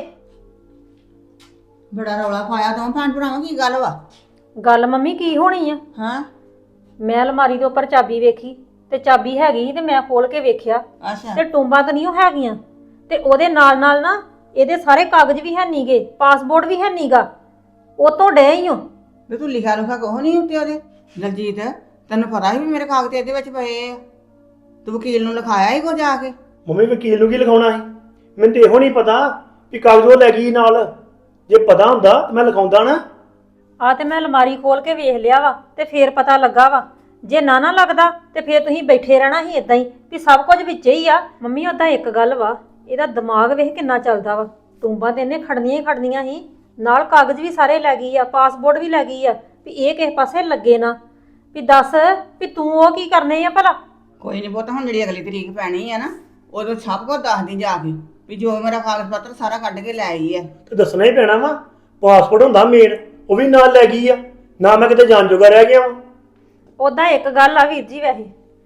ਬੜਾ ਰੌਲਾ ਪਾਇਆ ਤੂੰ ਭੈਣ ਭਰਾਵਾਂ, ਕੀ ਗੱਲ ਵਾ?
ਗੱਲ ਮੰਮੀ ਕੀ ਹੋਣੀ ਆ?
ਹਾਂ
ਮੈਂ ਅਲਮਾਰੀ ਦੇ ਉੱਪਰ ਚਾਬੀ ਵੇਖੀ ਤੇ ਚਾਬੀ ਹੈਗੀ ਸੀ ਤੇ ਮੈਂ ਖੋਲ ਕੇ ਵੇਖਿਆ
ਅੱਛਾ
ਤੇ ਟੁੰਬਾਂ ਤਾਂ ਨਹੀਂ ਉਹ ਹੈਗੀਆਂ, ਤੇ ਉਹਦੇ ਨਾਲ ਨਾਲ ਨਾ ਇਹਦੇ ਸਾਰੇ ਕਾਗਜ਼ ਵੀ ਹੈ ਨਹੀਂਗੇ, ਪਾਸਪੋਰਟ ਵੀ ਹੈ ਨਹੀਂਗਾ। ਉਹ ਤੋਂ ਡੇ ਹੀ ਹੋ
ਵੀ ਤੂੰ ਲਿਖਿਆ ਲੁਖਾ ਕੋਹ ਨਹੀਂ ਉੱਤੇ ਉਹਦੇ। ਦਲਜੀਤ ਤੈਨੂੰ ਪਤਾ ਸੀ ਵੀ ਮੇਰੇ ਕਾਗਜ਼ ਇਹਦੇ ਵਿੱਚ ਪਏ ਆ, ਤੂੰ ਵਕੀਲ ਨੂੰ ਲਿਖਾਇਆ ਹੀ ਕੋ ਜਾ ਕੇ?
ਮੰਮੀ ਵਕੀਲ ਨੂੰ ਕੀ ਲਿਖਾਉਣਾ ਸੀ? ਮੈਨੂੰ ਤੇ ਇਹੋ ਨਹੀਂ ਪਤਾ ਵੀ ਕਾਗਜ਼ ਉਹ ਲੈ ਗਈ ਨਾਲ। ਜੇ ਪਤਾ ਹੁੰਦਾ ਤਾਂ ਮੈਂ ਲਿਖਾਉਂਦਾ ਨਾ।
ਆ ਤੇ ਮੈਂ ਅਲਮਾਰੀ ਖੋਲ ਕੇ ਵੇਖ ਲਿਆ ਵਾ ਤੇ ਫੇਰ ਪਤਾ ਲੱਗਾ ਵਾ। ਜੇ ਨਾ ਲੱਗਦਾ ਤੇ ਫੇਰ ਤੁਸੀਂ ਬੈਠੇ ਰਹਿਣਾ ਸੀ ਇਦਾਂ ਹੀ ਵੀ ਸਭ ਕੁਝ ਵਿੱਚ ਹੀ ਆ। ਮੰਮੀ ਉਦਾਂ ਇੱਕ ਗੱਲ ਵਾ, ਇਹਦਾ ਦਿਮਾਗ ਵੇਖ ਕਿੰਨਾ ਚੱਲਦਾ ਵਾ। ਟੁੰਬਾਂ ਤੇ ਇਹਨੇ ਖੜਨੀਆਂ ਹੀ ਖੜਨੀਆਂ ਸੀ, ਨਾਲ ਕਾਗਜ਼ ਵੀ ਸਾਰੇ ਲੈ ਗਈ ਆ, ਪਾਸਪੋਰਟ ਵੀ ਲੈ ਗਈ ਆ, ਵੀ ਇਹ ਕਿਸੇ ਪਾਸੇ ਲੱਗੇ ਨਾ। ਵੀ ਦੱਸ ਵੀ ਤੂੰ ਉਹ ਕੀ ਕਰਨੇ ਆ ਭਲਾ?
ਕੋਈ ਨਹੀਂ ਪੁੱਤ, ਹੁਣ ਜਿਹੜੀ ਅਗਲੀ ਤਰੀਕ ਪੈਣੀ ਆ ਨਾ ਉਦੋਂ ਸਭ ਕੁਝ ਦੱਸਦੀ ਜਾ ਕੇ ਵੀ ਜੋ ਮੇਰਾ ਕਾਗਜ਼ ਪੱਤਰ ਸਾਰਾ ਕੱਢ ਕੇ ਲੈ ਆਈ ਆ।
ਤੇ ਦੱਸਣਾ ਹੀ ਪੈਣਾ ਵਾ। ਪਾਸਪੋਰਟ ਹੁੰਦਾ ਮੇਨ, ਉਹ ਵੀ ਨਾਲ ਲੈ ਗਈ ਆ ਨਾ। ਮੈਂ ਕਿਤੇ ਜਾਣ ਜੋਗਾ ਰਹਿ ਗਿਆ ਵਾ।
ਉਦਾਂ ਇੱਕ ਗੱਲ ਆ ਵੀਰ ਜੀ, ਵੈਸੇ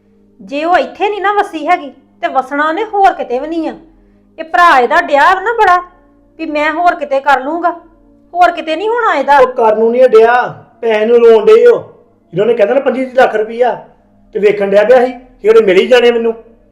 ਜੇ ਉਹ ਇੱਥੇ ਨਹੀਂ ਨਾ ਵਸੀ ਹੈਗੀ ਤੇ ਵਸਣਾ ਉਹਨੇ ਹੋਰ ਕਿਤੇ ਵੀ ਨਹੀਂ ਆ। ਇਹ ਭਰਾ ਇਹਦਾ ਡਿਆ ਨਾ ਬੜਾ ਵੀ ਮੈਂ ਹੋਰ ਕਿਤੇ ਕਰ ਲੂੰਗਾ, ਹੋਰ ਕਿਤੇ ਨਹੀਂ ਹੋਣਾ ਇਹਦਾ।
ਉਹ ਕਰਨ ਨੂੰ ਨਹੀਂ ਡਿਆ, ਪੈਸੇ ਨੂੰ ਰੋਣ ਡੇ ਹੋ। ਜਿਹਨਾਂ ਨੇ ਕਹਿੰਦਾ ਨਾ 25 ਲੱਖ ਰੁਪਈਆ ਤੇ ਵੇਖਣ ਡਿਆ ਪਿਆ ਸੀ ਕਿ ਉਹਨੇ ਮਿਲ ਹੀ ਜਾਣੇ ਮੈਨੂੰ।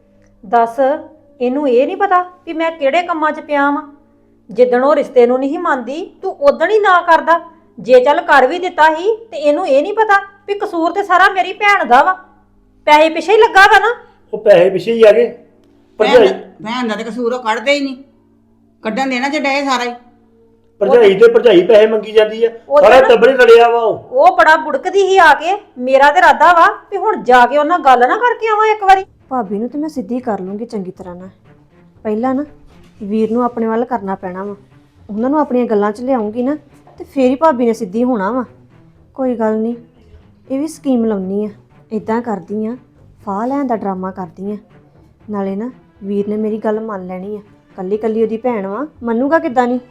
ਦੱਸ ਇਹਨੂੰ ਇਹ ਨਹੀਂ ਪਤਾ ਵੀ ਮੈਂ ਕਿਹੜੇ ਕੰਮਾਂ 'ਚ ਪਿਆ ਵਾਂ? ਜਿੱਦਣ ਉਹ ਰਿਸ਼ਤੇ ਨੂੰ ਨਹੀਂ ਮੰਨਦੀ ਤੂੰ ਉਦਣ ਹੀ ਨਾ ਕਰਦਾ। ਜੇ ਚੱਲ ਕਰ ਵੀ ਦਿੱਤਾ ਸੀ ਤੇ ਇਹਨੂੰ ਇਹ ਨਹੀਂ ਪਤਾ ਵੀ ਕਸੂਰ ਤੇ ਸਾਰਾ ਮੇਰੀ ਭੈਣ ਦਾ ਵਾ, ਪੈਸੇ ਪਿੱਛੇ ਹੀ ਲੱਗਾ ਵਾ ਨਾ।
ਉਹ ਪੈਸੇ ਪਿੱਛੇ ਹੀ ਆ ਗਏ। ਭਰਜਾਈ
ਭੈਣ ਦਾ ਤੇ ਕਸੂਰ ਉਹ ਕੱਢਦੇ ਹੀ ਨਹੀਂ, ਕੱਢਣ ਦੇਣਾ ਚ ਡਏ ਸਾਰਾ ਹੀ।
ਭਰਜਾਈ ਤੇ ਭਰਜਾਈ ਪੈਸੇ ਮੰਗੀ ਜਾਂਦੀ ਆ,
ਉਹਦੇ
ਸਾਰਾ
ਨਾ-
ਟੱਬਰ ਹੀ ਲੜਿਆ ਵਾ।
ਉਹ ਬੜਾ ਬੁੜਕਦੀ ਹੀ ਆ ਕੇ। ਮੇਰਾ ਤੇ ਇਰਾਦਾ ਵਾ ਵੀ ਹੁਣ ਜਾ ਕੇ ਉਹਨਾਂ ਗੱਲ ਨਾ ਕਰਕੇ ਆਵਾਂ ਇੱਕ ਵਾਰੀ।
ਭਾਬੀ ਨੂੰ ਤੇ ਮੈਂ ਸਿੱਧੀ ਕਰ ਲੂੰਗੀ ਚੰਗੀ ਤਰ੍ਹਾਂ ਨਾਲ। ਪਹਿਲਾਂ ਨਾ ਵੀਰ ਨੂੰ ਆਪਣੇ ਵੱਲ ਕਰਨਾ ਪੈਣਾ ਵਾ, ਉਹਨਾਂ ਨੂੰ ਆਪਣੀਆਂ ਗੱਲਾਂ 'ਚ ਲਿਆਉਂਗੀ ਨਾ ਤੇ ਫੇਰ ਹੀ ਭਾਬੀ ਨੇ ਸਿੱਧੀ ਹੋਣਾ ਵਾ। ਕੋਈ ਗੱਲ ਨਹੀਂ, ਇਹ ਵੀ ਸਕੀਮ ਲਾਉਣੀ ਆ। ਇਦਾਂ ਕਰਦੀ ਆ, ਫਾਹ ਲੈਣ ਦਾ ਡਰਾਮਾ ਕਰਦੀ ਆ, ਨਾਲੇ ਨਾ ਵੀਰ ਨੇ ਮੇਰੀ ਗੱਲ ਮੰਨ ਲੈਣੀ ਆ। ਕੱਲੀ ਕੱਲੀ ਉਹਦੀ ਭੈਣ ਵਾ, ਮੰਨੂਗਾ ਕਿੱਦਾਂ ਨਹੀਂ।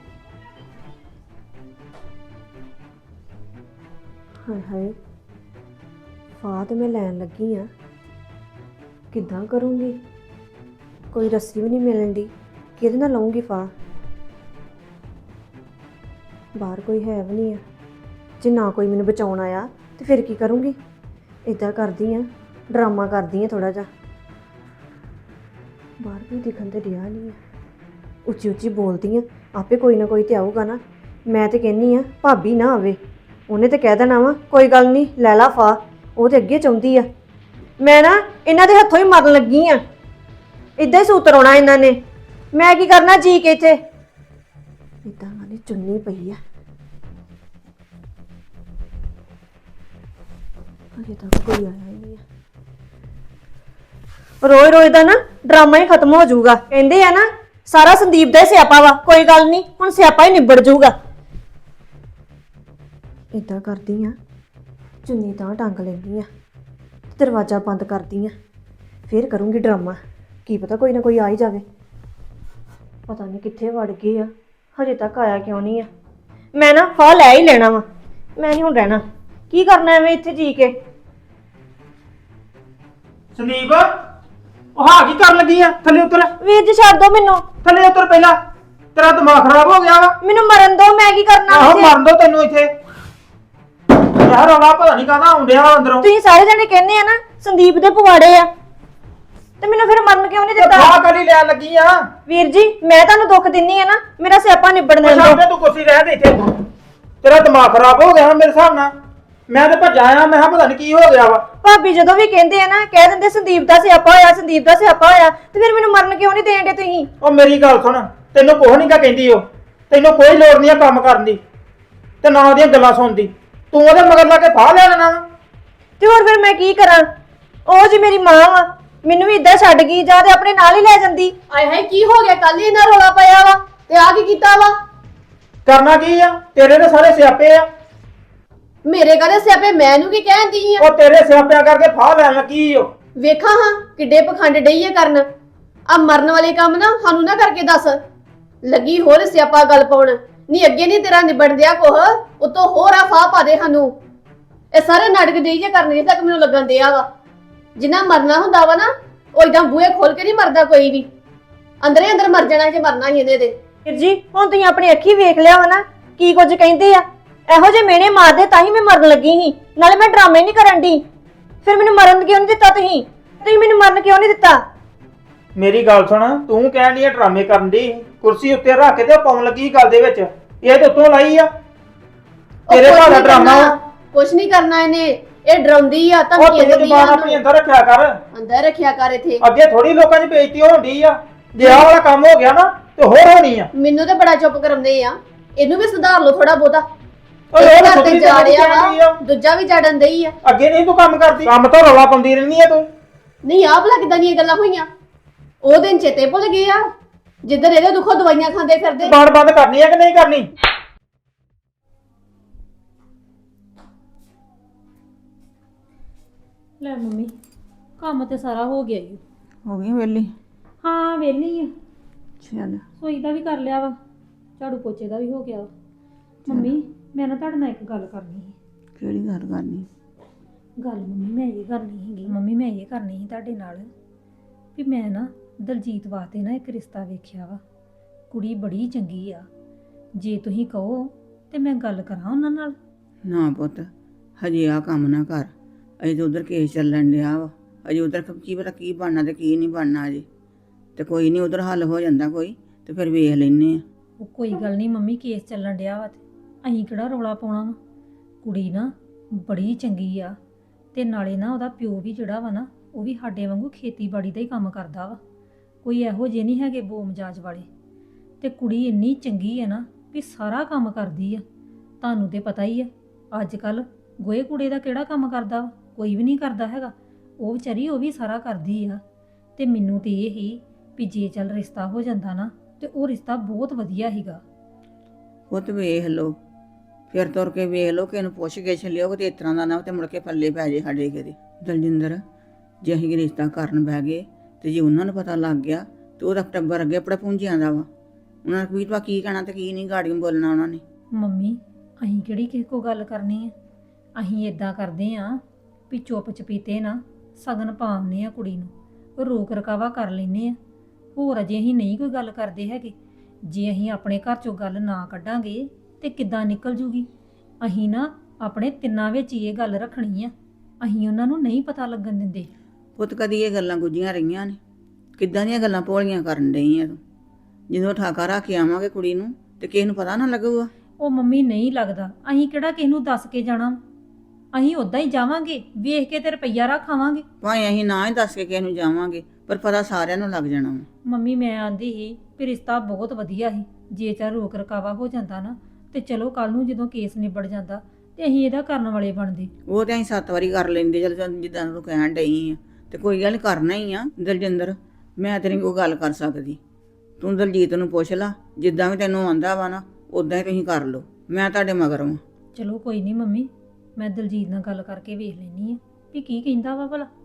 ਹਾਏ ਹਾਏ, ਫਾਹ ਤੇ ਮੈਂ ਲੈਣ ਲੱਗੀ ਆ, ਕਿੱਦਾਂ ਕਰੂੰਗੀ? ਕੋਈ ਰੱਸੀ ਵੀ ਨਹੀਂ ਮਿਲਣ ਦੀ, ਕਿਹਦੇ ਨਾਲ ਲਾਉਂਗੀ ਫਾਹ? ਬਾਹਰ ਕੋਈ ਹੈ ਵੀ ਨਹੀਂ ਆ। ਜੇ ਨਾ ਕੋਈ ਮੈਨੂੰ ਬਚਾਉਣ ਆਇਆ ਤੇ ਫਿਰ ਕੀ ਕਰੂੰਗੀ? ਇਦਾਂ ਕਰਦੀ ਆ, ਡਰਾਮਾ ਕਰਦੀ ਆ ਥੋੜਾ ਜਿਹਾ। ਬਾਹਰ ਕੋਈ ਦਿਖਣ ਤੇ ਰਿਹਾ ਨਹੀਂ ਆ, ਉੱਚੀ ਉੱਚੀ ਬੋਲਦੀ ਆ, ਆਪੇ ਕੋਈ ਨਾ ਕੋਈ ਤੇ ਆਊਗਾ ਨਾ। ਮੈਂ ਤੇ ਕਹਿੰਨੀ ਆ ਭਾਬੀ ਨਾ ਆਵੇ, ਉਹਨੇ ਤੇ ਕਹਿ ਦੇਣਾ ਵਾ ਕੋਈ ਗੱਲ ਨਹੀਂ ਲੈ ਲਾ ਫਾਹ। ਉਹ ਤੇ ਅੱਗੇ ਚਾਹੁੰਦੀ ਆ, ਮੈਂ ਨਾ ਇਹਨਾਂ ਦੇ ਹੱਥੋਂ ਹੀ ਮਰਨ ਲੱਗੀ ਆ। ਇਦਾਂ ਹੀ ਸੂਤਰ ਆਉਣਾ ਇਹਨਾਂ ਨੇ, ਮੈਂ ਕੀ ਕਰਨਾ ਜੀ ਕੇ ਇੱਥੇ। ਇਦਾਂ ਵਾਲੀ ਚੁੰਨੀ ਪਈ ਆ, ਅਜੇ ਤੱਕ ਕੋਈ ਆਇਆ ਹੀ ਨਹੀਂ ਆ। ਰੋਜ਼ ਰੋਜ਼ ਦਾ ਨਾ ਡਰਾਮਾ ਹੀ ਖਤਮ ਹੋ ਜਾਊਗਾ। ਕਹਿੰਦੇ ਆ ਨਾ ਸਾਰਾ ਸੰਦੀਪ ਦਾ ਹੀ ਸਿਆਪਾ ਵਾ। ਕੋਈ ਗੱਲ ਨਹੀਂ, ਹੁਣ ਸਿਆਪਾ ਹੀ ਨਿਬੜ ਜਾਊਗਾ। ਇਦਾਂ ਕਰਦੀ ਆ, ਚੁੰਨੀ ਤਾਂ ਟੰਗ ਲੈਂਦੀ ਆ, ਦਰਵਾਜ਼ਾ ਬੰਦ ਕਰਦੀ ਆ, ਫੇਰ ਕਰੂੰਗੀ ਡਰਾਮਾ। ਕੀ ਪਤਾ ਕੋਈ ਨਾ ਕੋਈ ਆ ਹੀ ਜਾਵੇ। ਪਤਾ ਨਹੀਂ ਕਿੱਥੇ ਵੜ ਗਏ ਆ, ਹਜੇ ਤੱਕ ਆਇਆ ਕਿਉਂ ਨਹੀਂ ਆ। ਮੈਂ ਨਾ ਫਾਹ ਲੈ ਹੀ ਲੈਣਾ ਵਾ, ਮੈਂ ਨਹੀਂ ਹੁਣ ਰਹਿਣਾ। ਕੀ ਕਰਨਾ ਐਵੇਂ ਇੱਥੇ ਜੀ ਕੇ?
ਸੰਦੀਪ, ਉਹ ਹਾਂ ਕੀ ਕਰਨ ਲੱਗੀ ਆ? ਥੱਲੇ ਉਤਰ,
ਵੀਰ ਜੀ ਛੱਡ ਦੋ ਮੈਨੂੰ,
ਥੱਲੇ ਉਤਰ ਪਹਿਲਾਂ। ਤੇਰਾ ਦਿਮਾਗ ਖਰਾਬ ਹੋ ਗਿਆ ਵਾ।
ਮੈਨੂੰ ਮਰਨ ਦੋ। ਮੈਂ ਕੀ ਕਰਨਾ
ਆਹੋ
ਇੱਥੇ?
ਮਰਨ ਦੋ ਤੈਨੂੰ ਇੱਥੇ। ਯਾਰ ਰੌਲਾ ਪਤਾ ਨਹੀਂ ਕਾਹਦਾ ਆਉਂਦਿਆ ਵਾ ਅੰਦਰੋਂ।
ਤੁਸੀਂ ਸਾਰੇ ਜਣੇ ਕਹਿੰਦੇ ਆ ਨਾ ਸੰਦੀਪ ਦੇ ਪਵਾੜੇ ਆ, ਤੇ ਮੈਨੂੰ ਫਿਰ ਮਰਨ ਕਿਉਂ ਨਹੀਂ
ਤੇ
ਦਿੱਤਾ
ਖਾ ਕਰੀ ਲੈਣ ਲੱਗੀ ਆ
ਵੀਰ ਜੀ ਮੈਂ ਤੁਹਾਨੂੰ ਦੁੱਖ ਦਿੰਨੀ ਆ ਨਾ ਮੇਰਾ ਸਿਆਪਾ ਨਿਬੜਨ ਦਿਓ
ਸਾਹਮਣੇ ਤੂੰ ਕੁਰਸੀ ਰਹਿ ਦੇ ਇੱਥੇ ਤੇਰਾ ਦਿਮਾਗ ਖਰਾਬ ਹੋ ਗਿਆ ਮੇਰੇ ਹਿਸਾਬ ਨਾਲ ਮੈਂ ਤੇ ਭੱਜਾ ਆ ਮੈਂ ਕਿਹਾ ਪਤਾ ਨਹੀਂ ਕੀ ਹੋ ਗਿਆ ਵਾ
ਭਾਬੀ ਜਦੋਂ ਵੀ ਕਹਿੰਦੇ ਆ ਨਾ ਕਹਿ ਦਿੰਦੇ ਸੰਦੀਪ ਦਾ ਸਿਆਪਾ ਹੋਇਆ ਸੰਦੀਪ ਦਾ ਸਿਆਪਾ ਹੋਇਆ ਤੇ ਫਿਰ ਮੈਨੂੰ ਮਰਨ ਕਿਉਂ ਨਹੀਂ ਦੇਣ ਦੇ ਤੁਸੀਂ
ਉਹ ਮੇਰੀ ਗੱਲ ਸੁਣ ਤੈਨੂੰ ਕੁਛ ਨਹੀਂ ਕਾ ਕਹਿੰਦੀ ਉਹ ਤੈਨੂੰ ਕੋਈ ਲੋੜ ਨਹੀਂ ਆ ਕੰਮ ਕਰਨ ਦੀ ਤੇ ਨਾ ਉਹਦੀਆਂ ਗੱਲਾਂ ਸੁਣਦੀ ਤੂੰ ਉਹਦੇ ਮਗਰ ਲਾ ਕੇ ਫਾਹ ਲੈ ਲੈਣਾ ਵਾ।
ਤੇ ਹੋਰ ਫਿਰ ਮੈਂ ਕੀ ਕਰਾਂ ਉਹ ਜੀ ਮੇਰੀ ਮਾਂ ਵਾ ਮੈਨੂੰ ਵੀ ਇਦਾਂ ਛੱਡ ਗਈ ਜਾਂ ਤੇ ਆਪਣੇ ਨਾਲ ਹੀ ਲੈ ਜਾਂਦੀ
ਆਏ ਹਾਏ ਕੀ ਹੋ ਗਿਆ ਕੱਲ ਹੀ ਇਹਨਾਂ ਰੋਲਾ ਪਾਇਆ ਵਾ ਤੇ ਆ ਕੀ ਕੀਤਾ ਵਾ
ਕਰਨਾ ਕੀ ਆ ਤੇਰੇ ਦੇ ਸਾਰੇ ਸਿਆਪੇ ਆ
ਮੇਰੇ ਕਹਦੇ ਸਿਆਪੇ ਮੈਨੂੰ ਕੀ ਕਹਿੰਦੀ ਆ
ਉਹ ਤੇਰੇ ਸਿਆਪਿਆਂ ਕਰਕੇ ਫਾਹ ਲੈਣ ਲੱਗੀ ਓ
ਵੇਖਾਂ ਹਾਂ ਕਿੱਡੇ ਪਖੰਡ ਡਈ ਆ ਕਰਨ ਆ ਮਰਨ ਵਾਲੇ ਕੰਮ ਨਾ ਸਾਨੂੰ ਨਾ ਕਰਕੇ ਦੱਸ ਲੱਗੀ ਹੋਰ ਸਿਆਪਾ ਗੱਲ ਪਾਉਣ ਨਹੀਂ ਅੱਗੇ ਨਹੀਂ ਤੇਰਾ ਨਿਬੜ ਦਿਆ ਕੋਹ ਉਤੋਂ ਹੋਰ ਆ ਫਾਹ ਪਾ ਦੇ ਸਾਨੂੰ ਇਹ ਸਾਰੇ ਨਾਟਕ ਦੇਈ ਜੇ ਕਰਨ ਦੇ ਤੱਕ ਮੈਨੂੰ ਲੱਗਣ ਦਿਆ ਵਾ ਜਿੰਨਾ ਮਰਨਾ ਹੁੰਦਾ ਵਾ ਨਾ ਉਹ ਇਦਾਂ ਬੂਹੇ ਖੋਲ ਕੇ ਨਹੀਂ ਮਰਦਾ ਕੋਈ ਵੀ ਅੰਦਰੇ ਅੰਦਰ ਮਰ ਜਾਣਾ ਜੇ ਮਰਨਾ ਹੀ ਇਹਨੇ ਦੇ
ਵੀਰ ਜੀ ਹੁਣ ਤੁਸੀਂ ਆਪਣੀ ਅੱਖੀ ਵੇਖ ਲਿਆ ਵਾ ਨਾ ਕੀ ਕੁਝ ਕਹਿੰਦੇ ਆ ਇਹੋ ਜਿਹੇ ਮੇਨੇ ਮਾਰਦੇ ਤਾਂ ਹੀ ਮੈਂ ਮਰਨ ਲੱਗੀ ਸੀ ਨਾਲੇ ਮੈਂ ਡਰਾਮੇ ਨਹੀਂ ਕਰਨ ਦੀ ਫਿਰ ਮੈਨੂੰ ਮਰਨ ਕਿਉਂ ਨਹੀਂ ਦਿੱਤਾ ਤੁਸੀਂ ਮੈਨੂੰ ਮਰਨ ਕਿਉਂ ਨਹੀਂ ਦਿੱਤਾ
ਮੇਰੀ ਗੱਲ ਸੁਣ ਤੂੰ ਕਹਿਣ ਦੀ ਡਰਾਮੇ ਕਰਨ ਦੀ ਕੁਰਸੀ ਉੱਤੇ ਰੱਖ ਕੇ ਤੇ ਉਹ ਪਾਉਣ ਲੱਗੀ ਗੱਲ ਦੇ ਵਿੱਚ ਇਹ ਤੇ ਉੱਤੋਂ ਲਾਈ ਆ ਤੇਰੇ
ਕੁਛ
ਭਾਅ ਦਾ
ਨੀ
ਡਰਾਮਾ
ਕਰਨਾ, ਕੁਛ ਨਹੀਂ ਕਰਨਾ ਇਹਨੇ ਇਹ ਡਰਾਉਂਦੀ ਆ ਤਾਂ
ਉਹ ਤੂੰ ਜ਼ਬਾਨ ਆਪਣੀ ਅੰਦਰ ਰੱਖਿਆ ਕਰ
ਅੰਦਰ ਰੱਖਿਆ ਕਰ ਇੱਥੇ
ਅੱਗੇ ਥੋੜੀ ਲੋਕਾਂ 'ਚ ਬੇਇੱਜ਼ਤੀ ਹੋਣੀ ਆ ਜੇ ਆਹ ਵਾਲਾ ਕੰਮ ਹੋ ਗਿਆ ਨਾ ਤੇ ਹੋਰ ਹੋਣੀ ਆ
ਮੈਨੂੰ ਤੇ ਬੜਾ ਚੁੱਪ ਕਰਾਉਂਦੇ ਆ ਇਹਨੂੰ ਵੀ ਸੁਧਾਰ ਲਓ ਥੋੜਾ ਬਹੁਤਾ
ਓਏ
ਇਹ
ਉਹ
ਘਰ ਤੇ
ਸੁਧਰੀ
ਜਾ
ਤੇ
ਰਿਹਾ
ਜਾਂਦੀ ਆ।
ਵਾ ਦੂਜਾ ਵੀ ਜੜਨ ਦਈ ਆ
ਅੱਗੇ ਨਹੀਂ ਤੂੰ ਕੰਮ ਕਰਦੀ ਕੰਮ ਤੋਂ ਰੌਲਾ ਪਾਉਂਦੀ ਰਹਿੰਦੀ ਆ ਤੂੰ
ਨਹੀਂ ਆਹ ਭਲਾ ਕਿਦਾਂ ਦੀਆਂ ਗੱਲਾਂ ਹੋਈਆਂ ਉਹ ਦਿਨ ਚੇਤੇ ਭੁੱਲ ਗਏ ਆ ਜਿੱਧਰ ਇਹਦੇ ਦੁੱਖੋਂ ਦਵਾਈਆਂ ਖਾਂਦੇ ਫਿਰਦੇ
ਬਾੜ ਬੰਦ ਕਰਨੀ ਆ ਕਿ ਨਹੀਂ ਕਰਨੀ
ਲੈ ਮੰਮੀ ਕੰਮ ਤੇ ਸਾਰਾ ਹੋ ਗਿਆ ਈ
ਹੋ ਗਈ ਵੇਲੀ
ਹਾਂ ਵਿਹਲੀ ਆ
ਚੱਲ
ਸੋਈ ਦਾ ਵੀ ਕਰ ਲਿਆ ਵਾ ਝਾੜੂ ਪੋਚੇ ਦਾ ਵੀ ਹੋ ਗਿਆ ਵਾ। ਮੰਮੀ ਮੈਂ ਨਾ ਤੁਹਾਡੇ ਨਾਲ ਇੱਕ ਗੱਲ ਕਰਨੀ ਸੀ
ਕਿਹੜੀ ਗੱਲ ਕਰਨੀ
ਗੱਲ ਮੰਮੀ ਮੈਂ ਇਹ ਕਰਨੀ ਸੀਗੀ ਮੰਮੀ ਮੈਂ ਇਹ ਕਰਨੀ ਸੀ ਤੁਹਾਡੇ ਨਾਲ ਵੀ ਮੈਂ ਨਾ ਦਲਜੀਤ ਵਾਸਤੇ ਨਾ ਇੱਕ ਰਿਸ਼ਤਾ ਵੇਖਿਆ ਵਾ ਕੁੜੀ ਬੜੀ ਚੰਗੀ ਆ ਜੇ ਤੁਸੀਂ ਕਹੋ ਤੇ ਮੈਂ ਗੱਲ ਕਰਾਂ ਉਹਨਾਂ ਨਾਲ
ਨਾ ਪੁੱਤ ਹਜੇ ਆ ਕੰਮ ਨਾ ਕਰ ਅਜੇ ਤਾਂ ਉਧਰ ਕੇਸ ਚੱਲਣ ਡਿਆ ਵਾ ਅਜੇ ਉਧਰ ਕੀ ਪਤਾ ਕੀ ਬਣਨਾ ਤੇ ਕੀ ਨਹੀਂ ਬਣਨਾ ਅਜੇ ਤੇ ਕੋਈ ਨਹੀਂ ਉਧਰ ਹੱਲ ਹੋ ਜਾਂਦਾ ਕੋਈ ਤੇ ਫਿਰ ਵੇਖ ਲੈਨੇ ਆ
ਉਹ ਕੋਈ ਗੱਲ ਨਹੀਂ ਮੰਮੀ ਕੇਸ ਚੱਲਣ ਡਿਆ ਵਾ ਤੇ ਅਸੀਂ ਕਿਹੜਾ ਰੌਲਾ ਪਾਉਣਾ ਵਾ ਕੁੜੀ ਨਾ ਬੜੀ ਚੰਗੀ ਆ ਤੇ ਨਾਲੇ ਨਾ ਉਹਦਾ ਪਿਓ ਵੀ ਜਿਹੜਾ ਵਾ ਨਾ ਉਹ ਵੀ ਸਾਡੇ ਵਾਂਗੂ ਖੇਤੀਬਾੜੀ ਦਾ ਹੀ ਕੰਮ ਕਰਦਾ ਵਾ ਕੋਈ ਇਹੋ ਜਿਹੇ ਨਹੀਂ ਹੈਗੇ ਬੋਮਜਾਜ ਵਾਲੇ ਤੇ ਕੁੜੀ ਇੰਨੀ ਚੰਗੀ ਹੈ ਨਾ ਵੀ ਸਾਰਾ ਕੰਮ ਕਰਦੀ ਆ ਤੁਹਾਨੂੰ ਤੇ ਪਤਾ ਹੀ ਆ ਅੱਜ ਕੱਲ ਗੋਹੇ ਕੂੜੇ ਦਾ ਕਿਹੜਾ ਕੰਮ ਕਰਦਾ ਵਾ ਕੋਈ ਵੀ ਨਹੀਂ ਕਰਦਾ ਹੈਗਾ ਉਹ ਵਿਚਾਰੀ ਉਹ ਵੀ ਸਾਰਾ ਕਰਦੀ ਆ ਤੇ ਮੈਨੂੰ ਤੇ ਇਹ ਹੀ ਵੀ ਜੇ ਚੱਲ ਰਿਸ਼ਤਾ ਹੋ ਜਾਂਦਾ ਨਾ ਤੇ ਉਹ ਰਿਸ਼ਤਾ ਬਹੁਤ ਵਧੀਆ ਸੀਗਾ
ਪੁੱਤ ਵੇਖ ਲਓ ਫਿਰ ਤੁਰ ਕੇ ਵੇਖ ਲਓ ਕਿ ਇਹਨੂੰ ਪੁੱਛ ਕੇ ਲਿਓ ਤੇ ਇਸ ਤਰ੍ਹਾਂ ਦਾ ਨਾ ਤੇ ਮੁੜ ਕੇ ਪੱਲੇ ਪੈ ਜੇ ਸਾਡੇ ਕਿਤੇ ਦਲਜਿੰਦਰ ਜੇ ਅਸੀਂ ਰਿਸ਼ਤਾ ਕਰਨ ਬਹਿ ਗਏ ਤੇ ਜੇ ਉਹਨਾਂ ਨੂੰ ਪਤਾ ਲੱਗ ਗਿਆ ਤੇ ਉਹਦਾ ਟੱਬਰ ਅੱਗੇ ਆਪਣਾ ਪੁੰਜਿਆਂ ਦਾ ਵਾ ਉਹਨਾਂ ਨੂੰ ਕੀ ਕਹਿਣਾ ਤੇ ਕੀ ਨਹੀਂ ਗਾੜੀਆਂ ਬੋਲਣਾ ਉਹਨਾਂ ਨੇ
ਮੰਮੀ ਅਸੀਂ ਕਿਹੜੀ ਕਿਸੇ ਕੋ ਗੱਲ ਕਰਨੀ ਆ ਅਸੀਂ ਇਦਾਂ ਕਰਦੇ ਆ ਵੀ ਚੁੱਪ ਚਪੀਤੇ ਨਾ ਸਗਨ ਪਾਉਂਦੇ ਆ ਕੁੜੀ ਨੂੰ ਰੋਕ ਰਕਾਵਾ ਕਰ ਲੈਨੇ ਆ ਹੋਰ ਅਜੇ ਅਸੀਂ ਨਹੀਂ ਕੋਈ ਗੱਲ ਕਰਦੇ ਹੈਗੇ ਜੇ ਅਸੀਂ ਆਪਣੇ ਘਰ ਚੋਂ ਗੱਲ ਨਾ ਕੱਢਾਂਗੇ ਤੇ ਕਿੱਦਾਂ ਨਿਕਲ ਜੂਗੀ ਅਸੀਂ ਨਾ ਆਪਣੇ ਤਿੰਨਾਂ ਵਿੱਚ ਹੀ ਇਹ ਗੱਲ ਰੱਖਣੀ ਆ ਅਸੀਂ ਉਹਨਾਂ ਨੂੰ ਨਹੀਂ ਪਤਾ ਲੱਗਣ ਦਿੰਦੇ
ਪੁੱਤ ਕਦੀ ਇਹ ਗੱਲਾਂ ਗੁੱਝੀਆਂ ਰਹੀਆਂ ਨੇ ਕਿੱਦਾਂ ਦੀਆਂ ਗੱਲਾਂ ਭੋਲੀਆਂ ਕਰਨ ਡਈ ਆ ਤੂੰ ਜਦੋਂ ਠਾਕਾ ਰੱਖ ਕੇ ਆਵਾਂਗੇ ਕੁੜੀ ਨੂੰ ਤੇ ਕਿਸੇ ਨੂੰ ਪਤਾ ਨਾ ਲੱਗੂਗਾ
ਉਹ ਮੰਮੀ ਨਹੀਂ ਲੱਗਦਾ ਅਸੀਂ ਕਿਹੜਾ ਕਿਸੇ ਨੂੰ ਦੱਸ ਕੇ ਜਾਣਾ ਅਸੀਂ ਉਦਾਂ ਹੀ ਜਾਵਾਂਗੇ ਵੇਖ ਕੇ ਤੇ ਰੁਪਈਆ ਰੱਖਾਵਾਂਗੇ
ਭਾਵੇਂ ਅਸੀਂ ਨਾ ਹੀ ਦੱਸ ਕੇ ਕਿਸੇ ਨੂੰ ਜਾਵਾਂਗੇ ਪਰ ਪਤਾ ਸਾਰਿਆਂ ਨੂੰ ਲੱਗ ਜਾਣਾ ਵਾ
ਮੰਮੀ ਮੈਂ ਆਂਦੀ ਸੀ ਵੀ ਰਿਸ਼ਤਾ ਬਹੁਤ ਵਧੀਆ ਸੀ ਜੇ ਚਾਹ ਰੋਕ ਰਕਾਵਾ ਹੋ ਜਾਂਦਾ ਨਾ ਤੇ ਚਲੋ ਕੱਲ ਨੂੰ ਜਦੋਂ ਕੇਸ ਨਿਬੜ ਜਾਂਦਾ ਤੇ ਅਸੀਂ ਇਹਦਾ ਕਰਨ ਵਾਲੇ ਬਣਦੇ
ਉਹ ਤੇ ਅਸੀਂ 7 ਵਾਰੀ ਕਰ ਲੈਂਦੇ ਚਲ ਜਿੱਦਾਂ ਤੂੰ ਕਹਿਣ ਡਈ ਆ ਤੇ ਕੋਈ ਗੱਲ ਨੀ, ਕਰਨਾ ਹੀ ਆ ਦਲਜਿੰਦਰ ਮੈਂ ਤੇਰੀ ਕੋਈ ਗੱਲ ਕਰ ਸਕਦੀ ਤੂੰ ਦਲਜੀਤ ਨੂੰ ਪੁੱਛ ਲਾ ਜਿੱਦਾਂ ਵੀ ਤੈਨੂੰ ਆਂਦਾ ਵਾ ਨਾ ਉਦਾਂ ਹੀ ਤੁਸੀਂ ਕਰ ਲਓ ਮੈਂ ਤੁਹਾਡੇ ਮਗਰ ਵਾਂ
ਚਲੋ ਕੋਈ ਨਹੀਂ ਮੰਮੀ ਮੈਂ ਦਲਜੀਤ ਨਾਲ ਗੱਲ ਕਰਕੇ ਵੇਖ ਲੈਣੀ ਆ ਵੀ ਕੀ ਕਹਿੰਦਾ ਵਾ ਭਲਾ